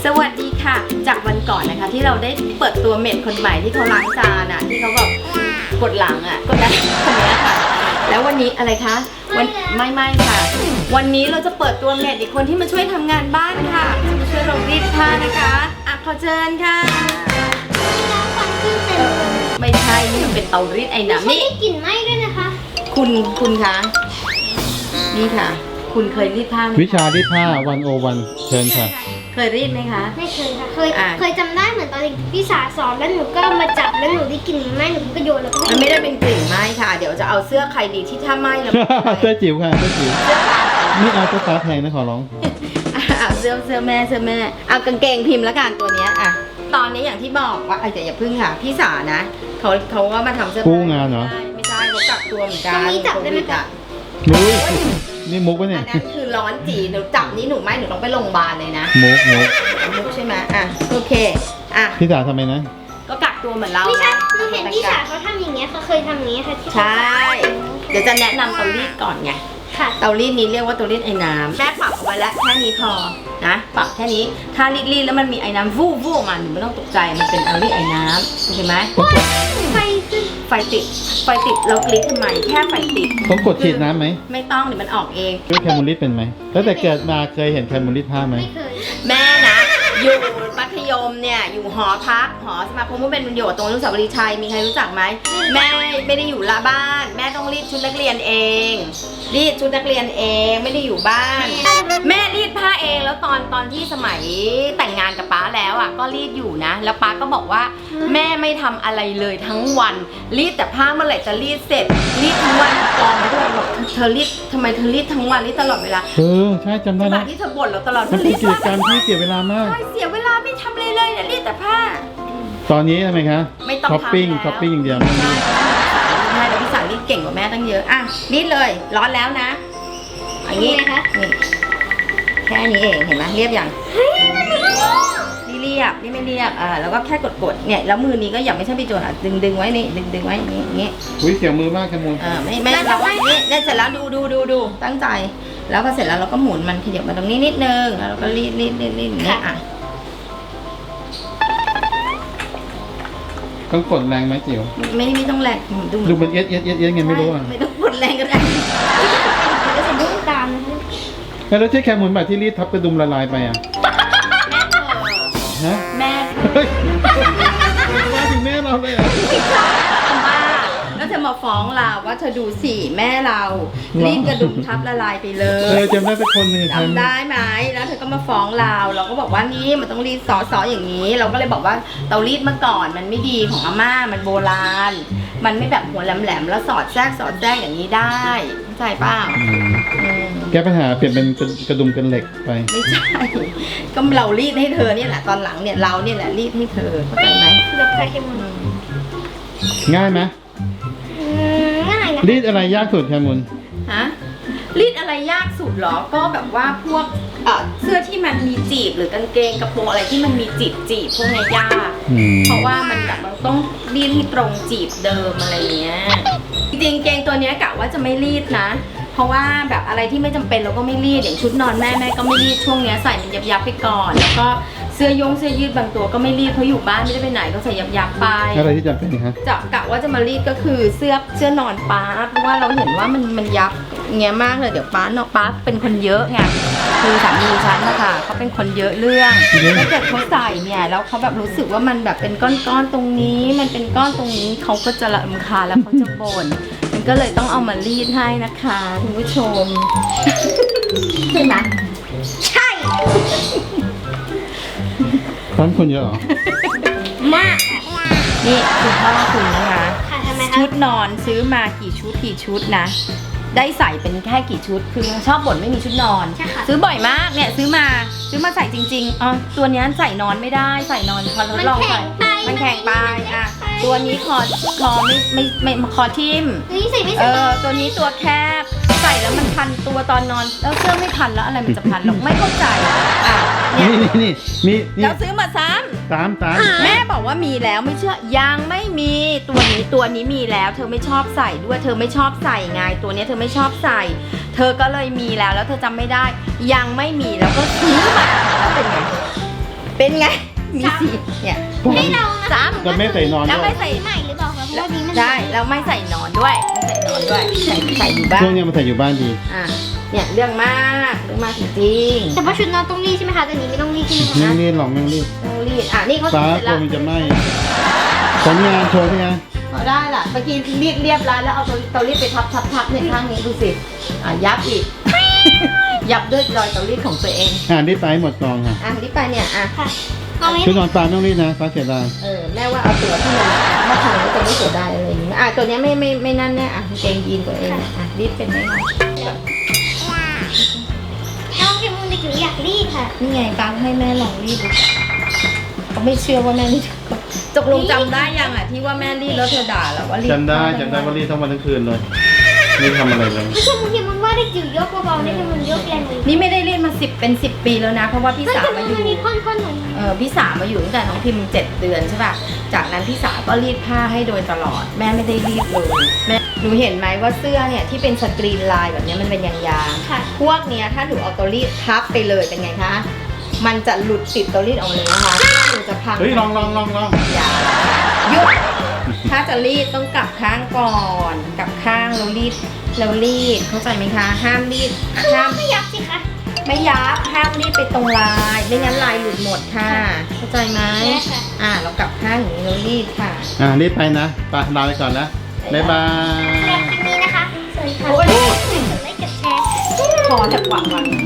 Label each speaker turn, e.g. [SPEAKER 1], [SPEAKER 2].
[SPEAKER 1] วัสดีค่ะจากวันก่อนนะคะที่เราได้เปิดตัวเมดคนใหม่ที่เขาล้างจานอ่ะที่เขาแบบกดหลังอ่ะกดนะคนนี้ค่ะแล้ววันนี้อะไรคะไม่ค่ะวันนี้เราจะเปิดตัวเมดอีกคนที่มาช่วยทำงานบ้านค่ะมาช่วยเรารีดผ้านะคะอ่ะขอเชิญค่ะไม่ใช่นี่มันเป็นเตารีดไอ้น้ำนี่
[SPEAKER 2] กลิ่นไหม้ด้วยนะคะ
[SPEAKER 1] คุณคะนี่ค่ะคุณเคยรีดผ้าไหม
[SPEAKER 3] วิชารีดผ้า101เชิญค่ะ
[SPEAKER 1] เคยรีดไหมคะ
[SPEAKER 2] ไม่เคยค่ะเคยจำได้เหมือนตอนพี่สาสอนแล้วหนูก็มาจับแล้วหนูได้กลิ่นไหม้หนูก็โยนแล้วก็
[SPEAKER 1] มันไม่ได้เป็นกลิ่นไหม้ค่ะเดี๋ยวจะเอาเสื้อใครดีที่ถ้าไหม้แล้ว
[SPEAKER 3] เสื้อจิ๋วค่ะเสื้อจิ๋วไม่เอาเสื้อฟ้าแพงนะขอร้อง
[SPEAKER 1] เสื้อแม่เอากางเกงพิมพ์ละกันตัวเนี้ยอ่ะตอนนี้อย่างที่บอกว่าแต่อย่าพึ่งค่ะพี่สานะเขาก็มาทำเสื้อ
[SPEAKER 3] กู้งานเหรอ
[SPEAKER 1] ไม่ใช่เขากักตัวเหมือนกัน
[SPEAKER 2] ตรงนี้จับได้ไหมคะ
[SPEAKER 3] นุ้ยนี่มุกปะ
[SPEAKER 1] อั
[SPEAKER 3] เนี่ย
[SPEAKER 1] นนั้นคือร้อนจีหนูจับนี่หนูไม่หนูต้องไปโรงพยาบาลเลยนะ
[SPEAKER 3] มุก
[SPEAKER 1] มุกใช่ไหมอ่ะโอเคอ่ะ
[SPEAKER 3] พี่สาวทำไมนะ
[SPEAKER 1] ก็กักตัวเหมือนเรา
[SPEAKER 2] ไม่ใช่
[SPEAKER 1] นะ
[SPEAKER 2] หนูเห็นพี่สาเขาทำอย่างเงี้ยเขาเคยทำอย่างเงี้ยค่ะที่
[SPEAKER 1] ใช่เดี๋ยวจะแนะนำเตารีดก่อนไง
[SPEAKER 2] ค่ะ
[SPEAKER 1] เตารีดนี้เรียกว่าเตารีดไอ้น้ำแม่ปรับเอาไว้แล้วแค่นี้พอนะปรับแค่นี้ถ้ารีดแล้วมันมีไอ้น้ำวูบออกมาหนูไม่ต้องตกใจมันเป็นเตารีดไอ้น้ำโอเคไหม
[SPEAKER 2] ไฟขึ้น
[SPEAKER 1] ไฟติดเรากรี๊ดทำไมแค่ไฟติด
[SPEAKER 3] ต้องกดฉีดน้ำไหม
[SPEAKER 1] ไม่ต้องเดี๋ยวมันออกเอง
[SPEAKER 3] รู้แคมูลลิสเป็นไหมตั้งแต่เกิดมาเคยเห็นแคมูลลิสผ้าไหม
[SPEAKER 2] ไม่เคย
[SPEAKER 1] แม่นะอยู่มัธยมเนี่ยอยู่หอพักหอสมาคมผู้เป็นประโยชน์ตรงอนุสาวรีย์ชัยมีใครรู้จักไหมแม่ไม่ได้อยู่ละบ้าน แม่ต้องรีดชุดนักเรียนเองรีดชุดนักเรียนเองไม่ได้อยู่บ้าน แม่รีดผ้าเองแล้วตอนที่สมัยแต่งงานกับป้าแล้วอ่ะก็รีดอยู่นะแล้วป้าก็บอกว่าแม่ไม่ทำอะไรเลยทั้งวันรีดแต่ผ้าเมื่อไหร่จะรีดเสร็จรีดทั้งวันกองไปด้วยบอกเธอรีดทำไมเธอรีดทั้งวันรีดตลอดเวลา
[SPEAKER 3] ใช่จำได้
[SPEAKER 1] ขณะ
[SPEAKER 3] นะ
[SPEAKER 1] ที่เธอบ่นเราตลอด
[SPEAKER 3] มันเป็นกิจกรรมที่เสียเวลามาก
[SPEAKER 1] ใช่เสียเวลาไม่ทำเลยเนี่ยรีดแต่ผ้า
[SPEAKER 3] ตอนนี้ทำไมคะ
[SPEAKER 1] ไม่ต้อง
[SPEAKER 3] ช้อปปิ้ง
[SPEAKER 1] ทำแล้ว
[SPEAKER 3] ช้อปปิ้งอย่างเดียว
[SPEAKER 1] ใช่แล้วพี่สาวรีดเก่งกว่าแม่ตั้งเยอะอ่ะรีดเลยร้อนแล้วนะอย่างนี้นะคะนี่แค่นี้เองเห็นไหมเรียบอย่างนี่เรียบนี่ไม่เรียบแล้วก็แค่กดเนี่ยแล้วมือนี้ก็อย่าไม่ใช่ไปโจนดึงไว้นี่ดึงไว้อย่างนี้
[SPEAKER 3] อุ้ยเสียงมือมากแคมูล
[SPEAKER 1] ไม่เราว่านี่เนี่ยเสร็จแล้วดูตั้งใจแล้วพอเสร็จแล้วเราก็หมุนมันขยับมาตรงนี้นิดนึงแล้วเราก็รีดอย่างเงี้ยอ่ะ
[SPEAKER 3] ต้องกดแรงไหมจิ๋ว
[SPEAKER 1] ไม่ต้องแรงดู
[SPEAKER 3] ดูมันเอ็ดไงไม่รู้อ่ะ
[SPEAKER 1] ไม่ต้องกดแรงก็ได้
[SPEAKER 2] มันก็จะดุ้งตามนะคะ
[SPEAKER 3] แล้วใช่แคมูลแบบที่รีดทับกระดุมละลายไปอ่ะฮะ
[SPEAKER 1] แม่
[SPEAKER 3] เฮ้ยมาถึงแม่เราเลยอ่ะ
[SPEAKER 1] มาแล้วเธอมาฟ้องเราว่าเธอดูสิแม่เรารีดกระดุมทับละลายไปเล
[SPEAKER 3] เออย จำได้สักคนหนึ่ง
[SPEAKER 1] จำได้ไหมแล้วเธอก็มาฟ้องเราก็บอกว่านี่มันต้องรีดซออย่างนี้ เราก็เลยบอกว่าเตารีดเมื่อก่อนมันไม่ดีของอาม่ามันโบราณ มันไม่แบบหัวแหลมๆแล้วสอดแทรกอย่างนี้ได้เข้าใจเปล่าอืม
[SPEAKER 3] แก้ปัญหาเปลี่ยนเป็นกระดุมกันเหล็กไป
[SPEAKER 1] ไม่ใช่ก็เรารีดให้เธอเนี่ยแหละตอนหลังเนี่ยเราเนี่ยแหละรีดให้เธอเข้าใจไหม
[SPEAKER 2] แบบใครเข้ม
[SPEAKER 3] ง่ายไหม
[SPEAKER 2] ง่ายนะ
[SPEAKER 3] รีดอะไรยากสุดแคมูล
[SPEAKER 1] ฮะรีดอะไรยากสุดเหรอก็แบบว่าพวกเสื้อที่มันมีจีบหรือกางเกงกระโปรงอะไรที่มันมีจีบพวกเนี้ยยากเพราะว่ามันแบบมันต้องรีดให้ตรงจีบเดิมอะไรเงี้ยจริงๆเกงตัวเนี้ยกะว่าจะไม่รีดนะ เพราะว่าแบบอะไรที่ไม่จำเป็นเราก็ไม่รีดอย่างชุดนอนแม่ก็ไม่รีดช่วงเนี้ยใส่มันยับไปก่อนแล้วก็เสื้อยืดบางตัวก็ไม่รีดเพราะอยู่บ้านไม่ได้ไปไหนก็ใส่ยับไป
[SPEAKER 3] อะไรที่จำเป็นคะ
[SPEAKER 1] จะกะว่าจะมารีดก็คือเสื้อนอนป้าเพราะว่าเราเห็นว่ามันยับเงี้ยมากเลยเดี๋ยวป้เป็นคนเยอะไงคือสามีฉันนะคะเขาเป็นคนเยอะเรื่องถ้าเกิดเขาใส่เนี่ยแล้วเขาแบบรู้สึกว่ามันแบบเป็นก้อนๆตรงนี้มันเป็นก้อนตรงนี้เขาก็จะรำคาญแล้วเขาจะบ่นมันก็เลยต้องเอามารีดให้นะคะคุณผู้ชม ใช่ไหม
[SPEAKER 2] ใช่
[SPEAKER 3] ร้านคนเยอะเหรอ
[SPEAKER 2] มาก
[SPEAKER 1] นี่คุณพ่อคุณนะคะ
[SPEAKER 2] ค่ะทำไม
[SPEAKER 1] ชุ
[SPEAKER 2] คะ
[SPEAKER 1] ดนอนซื้อมากี่ชุดนะได้ใส่เป็นแค่กี่ชุดคือชอบบ่นไม่มีชุดนอน
[SPEAKER 2] ใช่ค่ะ
[SPEAKER 1] ซื้อบ่อยมากเนี่ยซื้อมาใส่จริงๆตัวนี้ใส่นอนไม่ได้ใส่นอนพอทดลองใส่มันแข็งไปอ่ะตัวนี้คอไม่คอทิ่ม
[SPEAKER 2] นี่ใส่ไม่สบาย
[SPEAKER 1] ตัวนี้ตัวแคบใส่แล้วมันพันตัวตอนนอนแล้วเสื้อไม่พันแล้วอะไรมันจะพันหรอกไม่เข้าใจอ่ะเนี่ย
[SPEAKER 3] นี่มี
[SPEAKER 1] แล้วซื้อมาซ้ำ
[SPEAKER 3] ตาม
[SPEAKER 1] แม่บอกว่ามีแล้วไม่เชื่อยังไม่มีตัวนี้มีแล้วเธอไม่ชอบใส่ด้วยเธอไม่ชอบใส่ไงตัวนี้เธอไม่ชอบใส่ เธอก็เลยมีแล้วเธอจำไม่ได้ยังไม่มีแล้วก็ซื้อมาแล้วเป็นไงเป็นเป็นไงมีสีเนี่ย
[SPEAKER 2] ให้เรานะ
[SPEAKER 1] ซ้
[SPEAKER 3] จะไม่ใส่นอน
[SPEAKER 1] ำแล้ว
[SPEAKER 3] ด้ว
[SPEAKER 1] ไม่
[SPEAKER 3] ย
[SPEAKER 1] ใส่
[SPEAKER 2] ใหม่หรือเปล่าคะเพราะว่านี้มัน
[SPEAKER 1] ใช่แล้วไม่ใส่หนอนด้วยไม่ใส่หนอนด้วยใส่อยู่บ้า
[SPEAKER 3] ช่วง
[SPEAKER 1] น
[SPEAKER 3] นี้มันใส่อยู่บ้านดี
[SPEAKER 1] อ่ะเนี่ยเรื่องมากจริง
[SPEAKER 2] แต่ว่าชุดนอนต้องรีดใช่ไหมคะแต่นี้ไม่ต้องรีดใช่ไหมคะ
[SPEAKER 3] ไม่รีบหรอกไม่รีบ
[SPEAKER 1] ๆต้องรีดอ่ะนี่เขา
[SPEAKER 3] ฟ้า
[SPEAKER 1] เสร็จ
[SPEAKER 3] กลั
[SPEAKER 1] แล้ว ว
[SPEAKER 3] มันจะไหม้ผลงานโชว์ที่ไง
[SPEAKER 1] เอาได้ล่ะเมื่อกี้รีดเรียบร้อยแล้วเอาเตารีดไปทับเนี่ยข้างนี้ดูสิยับอีก ยับด้วยรอยเตารีดของตัวเอง
[SPEAKER 3] รีบไปให้หมดกองค่ะ
[SPEAKER 1] รีบไปเนี่ย
[SPEAKER 2] ค่ะเอาไว้
[SPEAKER 3] ชุดนอนฟ้าไม่ต้องรีบนะฟ้าเสียดาย
[SPEAKER 1] แม่ว่าเอาตัวที่มันถ้าทำแล้วจะไม่เสียดายอะไรอย่างเงี้ยตัวเนี้ยไม่นั่นแน่เกงยีนตัวเองรีดเป็นไหมคะ
[SPEAKER 2] น้องพิมพ์เด็กหนูอยากรีดค่ะ
[SPEAKER 1] นี่ไงฟังให้แม่ลองรีดดูเขาไม่เชื่อว่าแม่รีดตกลงจำได้ยังที่ว่าแม่รีดแล้วเธอด่าแล้วว่ารีด
[SPEAKER 3] จำได้ว่ารีบทั้งวันทั้งคืนเลยไม่ทำอะไรเลย
[SPEAKER 2] ไม่ใช่บางทีมันว่าเด็กจิ๋วยกเบาๆได้แต่มันยกแรงเลย
[SPEAKER 1] นี่ไม่ได้รีดมา10 ปีแล้วนะเพราะว่าพี่
[SPEAKER 2] ถ้า
[SPEAKER 1] สาว
[SPEAKER 2] จะ
[SPEAKER 1] มา
[SPEAKER 2] มัน
[SPEAKER 1] อยู่
[SPEAKER 2] มีค่อนๆหน่อย
[SPEAKER 1] พี่สาวมาอยู่ตั้งแต่น้องพิมพ์7 เดือนใช่ป่ะ จากนั้นพี่สาวก็รีดผ้าให้โดยตลอด แม่ไม่ได้รีดเลยแม่หนูเห็นไหมว่าเสื้อเนี่ยที่เป็นสกรีนลายแบบเนี้ยมันเป็นยางๆ
[SPEAKER 2] ค่ะ
[SPEAKER 1] พวกเนี้ยถ้าหนูเอาเตารีดทับไปเลยเป็นไงคะ มันจะหลุดติดเตารีดออกมาเลยนะคะหนูจะพัง
[SPEAKER 3] เฮ้ยลอง
[SPEAKER 1] อย่าหยุดถ้าจะรีดต้องกลับข้างก่อนกลับข้างแล้วรีดเข้าใจไหมคะ ห้ามรีดห้าม
[SPEAKER 2] ไม่ยับสิคะ
[SPEAKER 1] ไม่ยับห้ามรีดไปตรงลายไม่งั้นลายหลุดหมดค่ะเข้าใจไหม
[SPEAKER 2] ได้ค่ะ
[SPEAKER 1] เรากลับข้างอย่างนี้เรารีดค่ะ
[SPEAKER 3] รีบไปนะไปลาไปก่อนนะบ๊ายบาย
[SPEAKER 2] แบบนี้นะคะสวัสดีค่ะ
[SPEAKER 1] โอ้ย
[SPEAKER 2] กดไลค์กดแชร์
[SPEAKER 1] พอจะกว่าวัน